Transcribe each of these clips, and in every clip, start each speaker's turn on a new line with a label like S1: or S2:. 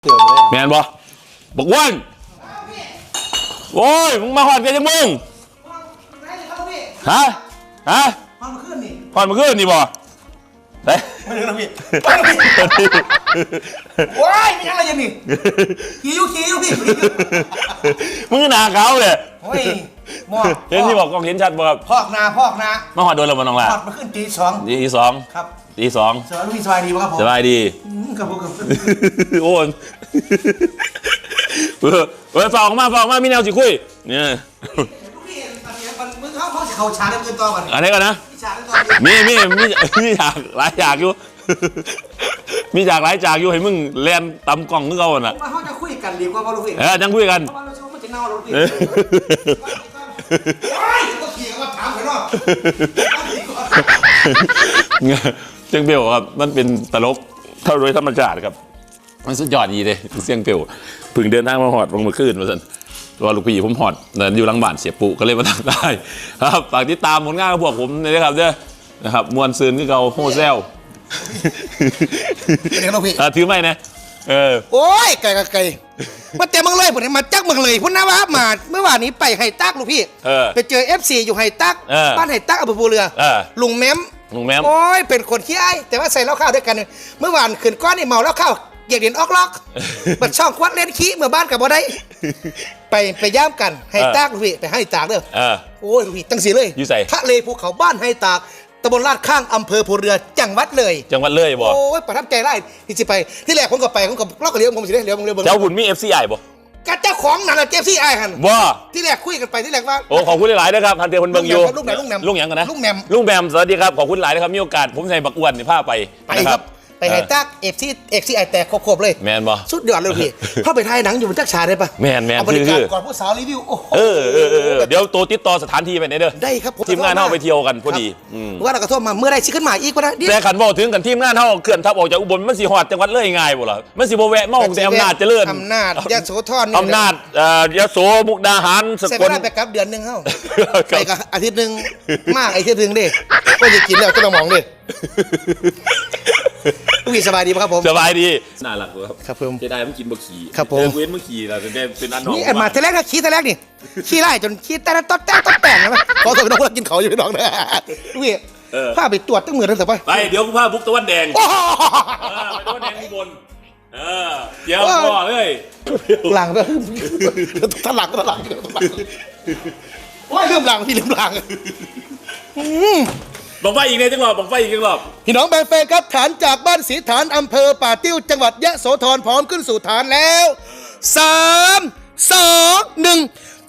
S1: เกือบเลย
S2: แมนบ่บอกว่านโอ้ยมึงมาหอดกันยังมึงฮะ
S1: มาขึ้นนี่
S2: หอดมาขึ้นนี่บ่ได้
S1: ไม่ถึงนะพี่โอ้ยมีอะไรยังนี่ขี่อยู่พี่
S2: มึงหนาเขาเลย
S1: โอ้ยมอ
S2: เห็นที่บอกกล้องเห็นชัดบ่ครับ
S1: พอกนา
S2: มาหอดโดนแล้วบ่น้องล่ะ
S1: พอดมาขึ้นตีสองครับ
S2: ตีสอง
S1: สบายดีป่ะครับผม
S2: สบายดี
S1: ครับผม
S2: โอ้ยฝากออกมามีแนวสิคุยเนี่ย
S1: มึงเขาฉากเงินต่อกัน
S2: อะไรกันนะมีฉากหลายฉากอยู่มีฉากหลายฉากอยู่ให้มึงแลนตำกล่องนึกเอาน่ะ
S1: เขาจะคุยกันดีกว่าลูกพี่
S2: จังคุยกัน
S1: เพราะว่าเราเชื่อว่ามันจะเน่าลูกพี่ก็ขี่มาถามไปเนาะ
S2: เสียงเปลวครับมันเป็นตลกเท่าโดยธรรมชาติครับมันสุดยอดดีเลยเสียงเปลวพึ่งเดินทางมาหอดลงมาขึ้นมาสันตัวลูกพี่ผมหอดอยู่หลังบ้านเสียปุก็เลยมาทำได้ครับฝากติดตามผลงานของพวกผมนะครับเจ้านะครับมวลซืนที่เขาโฮเซล
S1: เป็นไงลูกพี่
S2: ถือไม่นะ
S1: โอ้ยไก่มาเต็มมึงเลยผมมาจักมึงเลยพุ่นนะว่ามาเมื่อวานนี้ไปไฮตักลูกพี่ไปเจอ FC อยู่ไฮตักบ้านไฮตักอำเภอภูเรือลุงแม้มโอ้ยเป็นคนขี้ไอแต่ว่าใส่เหล้าข้าวด้วยกันเมื่อวานขืนก้อนนี่เมาเหล้าข้าวเกียกเด่นออกล็อกบัดช่องควัดเล่นขี้เมื่อบ้านกับบ่ได้ไปย่ามกันไฮตักลูกพี่ไปให้ตากเด้อโอ้ยลูกพี่ตั้งสีเลยทะเลภูเขาบ้านไฮตากตำบลลาดข้างอำเภอภูเรือจังหวัดเลย
S2: บอก
S1: โอ้ยประทับใจไล่ที่สิไปที่แรกผมก็ไปผมก็ล็อกเลี้ยวผมสิเลี้ยวผมเลี้ยว
S2: เจ้าบุญมี FCI บ่
S1: กับเจ้าของนั่นแหละ FCI หัน
S2: ว่า
S1: ที่แรกคุยกันไปที่แรกว่า
S2: โอ้ขอบคุณหลายๆนะครับทันเตียคนเบิ่งอยู่
S1: ลุงแหม่ม
S2: ลุงหยังกันนะ
S1: ลุงแ
S2: หม่มสวัสดีครับขอบคุณหลายนะครับมีโอกาสผมใส่บักอ้วนในผ้าไป
S1: ครับไปไฮตักFCI แตกครบเลย
S2: แมนบ่
S1: สุดยอดเลยพี่เข้าไปถ่ายหนังอยู่บนจักรชาได้ปะ
S2: แมน
S1: เอาบริการก่อนผู้สาวรีวิวโอ้
S2: เดี๋ยวตัวติดต่อสถานที่ไปเด้อ
S1: ได้ครับ
S2: ทีมงานเข้าไปเที่ยวกันพอดี
S1: ว่าเราก็โทษมาเมื่อไรชิขึ้นมาอีกว่า
S2: แต่ขันบอกถึงกันทีมงานเข้าเขื่อนทับออกจากอุบลมันสีหอดจังหวัดเลยง่ายบ่ล่ะมันสีโบแวะเมาแต่อำนาจเจริญ
S1: อำนาจยโสธร
S2: อำนาจยโสมุกดาหาร
S1: สกลไปกับเดือนนึงเข้าไปกับอาทิตย์นึงมากอาทิตย์นึงดิก็จะกินแล้วก็ต้องมองดิพี่สบายดีไหมครับผม
S2: สบายดีน่ารัก
S1: ครับผม
S2: จะได้มันกินบะขี่
S1: ครับผม
S2: เว้นบะขี่เราจะได้เป็นอันนอก
S1: นี่อันมาทีแรกนะขี้ทีแรกนี่ขี้ไล่จนขี้แต่ต๊อดแต่งนะขอโทษน้องว่ากินเขาอยู่พี่น้องนะพี่พาไปตรวจตั้งมือตั้งแต่
S2: ไปเดี๋ยวกูพาบุกตะวันแดงไปตะวันแดงข้างบนเดี๋ยวพ่อเลย
S1: หลังก็ถลักโอ้ยลืมหลังพี่ลืมหลัง
S2: บอกไฟอีกในจังหวัดบอกไฟอีกจังหวัด
S1: พี่น้องแบงเฟย์ครับฐานจากบ้านศรีฐานอำเภอป่าติ้วจังหวัดยะโสธรพร้อมขึ้นสู่ฐานแล้ว3 2 1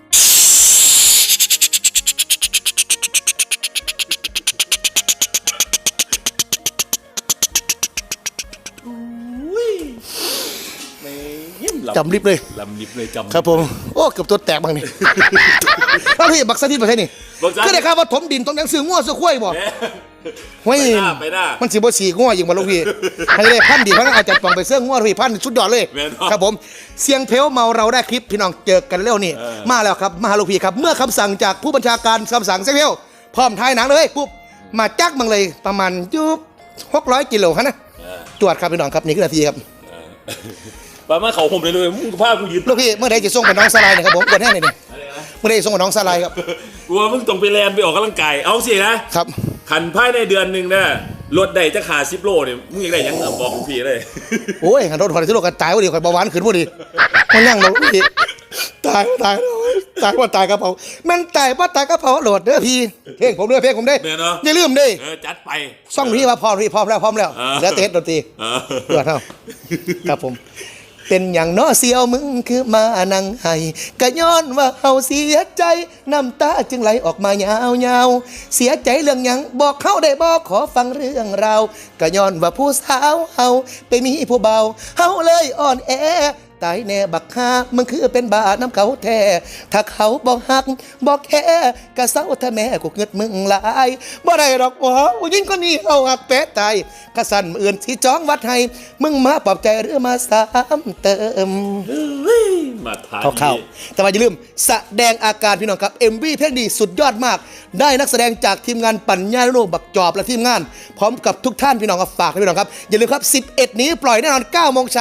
S1: จำลิบเลย
S2: จำ
S1: ครับผมโอ้เกือบตัวแตกบางนี่ถ้าพี่บักสถิตไปใช่นี่ก็ได้ครับว่าถมดินตรงยังซื้อง้อซื้อข้วยบ่เฮ้ยมันสีบ่สีง้อยิงมาลูกพี่ให้ได้พันดีเพราะอาจจะต้องไปเสื้อง้อพี่พันชุดยอดเลยครับผมเสียงเพลวเมาเราได้คลิปพี่น้องเจอกันแล้วนี่มาแล้วครับมาลูกพี่ครับเมื่อคำสั่งจากผู้บัญชาการคำสั่งเสียงเพลวพร้อมท้ายหนังเลยปุ๊บมาจักมังเลยประมาณ600 กิโลครับนะตรวจครับพี่น้องครับนี่คือนาทีครับ
S2: ป้ามาเขาผมเลยมึงผ้ากูยืด
S1: ลูกพี่เมื่อใดจะส่งไปน้องสไลด์นะครับผมกดแน่เลยนี่เมื่อใดส่งไปน้องสไลด์ครับ
S2: กลัวมึงต้องไปแลนไปออกกำลังกายเอาสินะครับขันภายในเดือนหนึ่งนะรถใดจะขาด10 โลเนี่ยมึงยังได้ยังบอกลูกพี่เลย
S1: โอ้ยขันรถถอด10 โลกันตายว่าดีข่อยเบาหวานขึ้นว่าดีมันยั่งเราลูกพี่ตายว่าตายกระเพรามันตายว่าตายกระเพราโหลดเด้อพี่เพลงผมด้วยอย่าลืมดิ
S2: จัดไป
S1: ซ่องพี่ว่าพร้อมแล้วแล้วเต้นดนตรีเพื่อเท่าครับผมเป็นอย่างน้อเสียวมึงคือมานั่งไห้กะย้อนว่าเฮาเสียใจน้ำตาจึงไหลออกมายาวเสียใจเรื่องหยังบอกเขาได้บอกขอฟังเรื่องราวกะย้อนว่าผู้สาวเฮาไปมีผู้เบาเฮาเลยอ่อนแอตายแน่บักฮามึงคือเป็นบาน้ำเขาแท้ถ้าเขาบอกหักบอกแค่กะเศร้าถ้าแม่กูเงิดมึงหลายบ่ได้ดอกบ่ผู้หญิงคนนี้เอาหักแปะตายกะสั่นอื่นที่จ้องวัดให้มึงมาปลอบใจหรือมาซ้ำเติม
S2: มาทาน
S1: เข้าแต่ว่าอย่าลืมแสดงอาการพี่น้องครับ MV เพลงดีสุดยอดมากได้นักแสดงจากทีมงานปัญญาโลกบักจอบและทีมงานพร้อมกับทุกท่านพี่น้องฝากให้พี่น้องครับอย่าลืมครับ11นี้ปล่อยแน่นอน9 โมงเช้า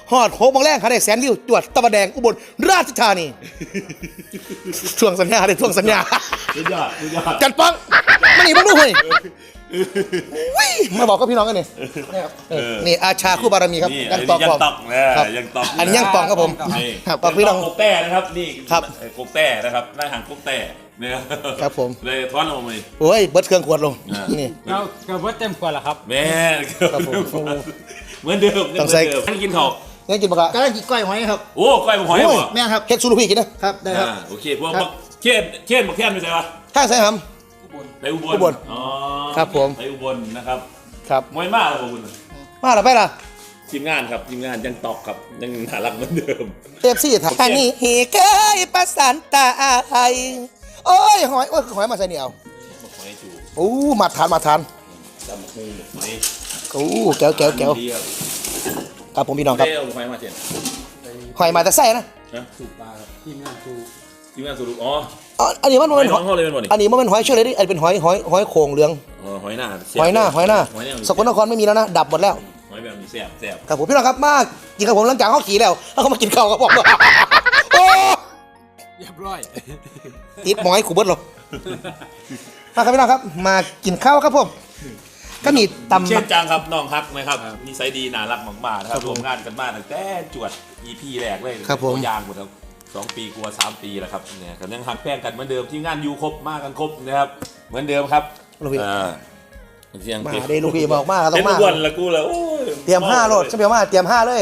S1: ฮอด6โมงแรงหาได้แสนวิวจวดตะวันแดงอุบลราชธานีทวงสัญญาได้ทวงสัญญา
S2: สุดยอดสุดยอด
S1: จัดปังมานี่มึงดูเฮ้ยอุ้ยมาบอกกับพี่น้องกันนี่นี่ครับนี่อาชาคู่บารมีครับ
S2: นี่
S1: ยังตอก
S2: ยัง
S1: ผม
S2: ตอกนะครับ ยังตอก
S1: อันนี้ยังตอกครับผม
S2: นี่
S1: ครับบอกพี่น้อง
S2: กบแต่นะครับนี่
S1: ครับ
S2: กบแต่นะครับนายหางกบแต่เนี่ย
S1: ครับผม
S2: เลยท้อนออกมาเลย
S1: โอ้ยเบิดเครื่องขวดลง
S2: อ่า
S1: นี่
S3: เรากระเบิดเต็มขวดแล้วครับ
S2: แม่
S1: ครับผม
S2: เหมือนเดิม
S1: ต้องใส่
S2: เหมืนเดิมให้กินข้าว
S1: งั้นกินปะกะ
S3: กำลังกินกล้อยหอยครับ
S2: โอ้ก้อยผมหอย
S1: โอ้ย
S2: เหรอ
S3: แม่ครับ
S1: เฮ็ดสูรุพี่กินนะครับ
S3: ได้ครับ
S2: โอเคพวกเขียนบอกเขียนไปใส่ปะ
S1: ข้างใส่ห
S2: ไปอุบล
S1: อุบล
S2: อ๋อ
S1: ครับผม
S2: ไปอุบลนะครับ
S1: ำครับ
S2: มวยมากเลยขอบคุณ
S1: มาหรือไปล่ะ
S2: ทีมงานครับทีมงานยังตอกครับยังน่ารักเหมือนเดิม
S1: เอฟซีถักอันนี้เฮเคยประสานตาไอโอ้ยหอยโอ้ยหอยมาใส่เหนียว
S2: บอกหอยจู
S1: โอ้มาทานมาทาน
S2: จำหูบอกหอย
S1: โอ้แก้วครับ
S2: ดีครับ
S1: ครับผมพี่น้องครับ
S2: เด้เอาหอยมาเจน
S1: หอยมาแต่ไส้นะ
S2: นะ
S3: สูบปลาครับทีมงานสูบ
S2: ทีมงานสูรุอ๋อ
S1: อ๋ออันนี้มัน
S2: หอย
S1: เป็น
S2: น้องเขาเลยเป็นบ่นี่
S1: อันนี้มันเป็นหอยเชื่อเลยดิอันนี้เป็นหอยโข่งเหลือง
S2: อ๋อหอยหน้า
S1: หอยหน้า
S2: หอยหน้า
S1: สกลนครไม่มีแล้วนะดับหมดแล้ว
S2: หอยแบบนี้แซ่บแซ่บ
S1: ครับผมพี่น้องครับมากินกับผมหลังจากเขาขี่แล้วแล้วเขามากินข้าวกับผมโอ้
S3: เรียบร้อย
S1: ติดหมอยขู่เบิดหรอกมาครับพี่น้องครับ มากินข้าวครับผมก็มีตำ
S2: เช่นจังครับน้องฮักนะครับนิสัยดีน่ารักมากๆนะครับรวมงานกันมาตั้งแต่จวด EP แรกเลย
S1: ครับผม
S2: ตัวยางหมดแล้ว2 ปีกลัว3 ปีแล้วครับเนี่ยกันยังหักแป้งกันเหมือนเดิมที่งานยูครบมากันครบนะครับเหมือนเดิมครับ
S1: ลูกพี่
S2: เสียง
S1: มาได้ลูกพี่บอกมาต้อ
S2: เป็น
S1: งมา
S2: วันละกูแล้วโอ้ย
S1: เตรียม5โหลดฉันเตรียม5เตรียม5เลย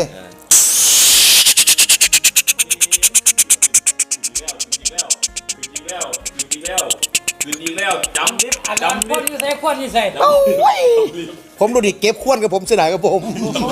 S2: แล้วจำนิด
S3: อันนั้น
S2: จำ
S3: ค
S2: นิ
S3: น
S2: ด
S3: อยู่ใส่คนอยู่ใส่
S1: โอ้ยผมดูดิเก็บขวดกับผมเสียดายกับผม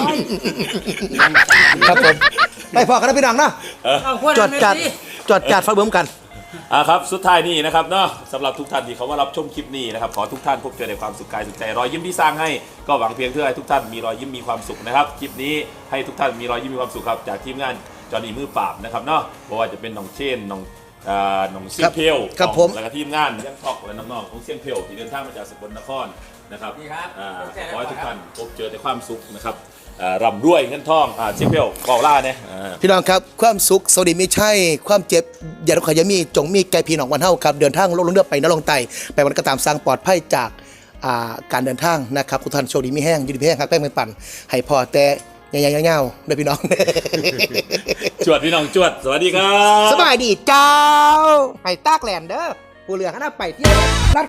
S1: ครับผมไปพอกันนะพี่น้องนะ
S3: เอาคน
S1: จอดจัดจอดจัดฟังเบิ่มกัน
S2: ครับสุดท้ายนี่นะครับเนาะสำหรับทุกท่านที่เขามารับชมคลิปนี้นะครับขอทุกท่านพบเจอในความสุขกายสุขใจรอยยิ้มที่สร้างให้ก็หวังเพียงเพื่อให้ทุกท่านมีรอยยิ้มมีความสุขนะครับคลิปนี้ให้ทุกท่านมีรอยยิ้มมีความสุขครับจากทีมงานจอห์นนี่มือปราบนะครับเนาะเพราะว่าจะเป็นน้องเชนน้องเซียงเพล
S1: ครับผม
S2: แล้วก็ทีมงานยังทอกและน้องๆของเซียงเพลที่เดินทางมาจากสกลนครนะครับขอให้ทุกท่านพบเจอในความสุขนะครับร่ำรวยเงินทองเซียงเพลก่อล่าเนี่ย
S1: พี่น้องครับความสุขสวัสดีไม่ใช่ความเจ็บอย่าขอยามีจงมีแก่พี่น้องวันเฮาครับเดินทางลงเรือไปนรงไตไปวันก็ตามสร้างปลอดภัยจากการเดินทางนะครับทุกท่านโชคดีมีแห้งอยู่ดีมีแห้งครับแป้งเป็นปั่นให้พอแต่ยาวๆๆๆด้วยพี่น้อง
S2: จวดพี่น้องจวดสวัสดีครับ
S1: สบายดีเจ้าให้ตากแลนเด้อผู้เหลือขนาดไปเที่ยว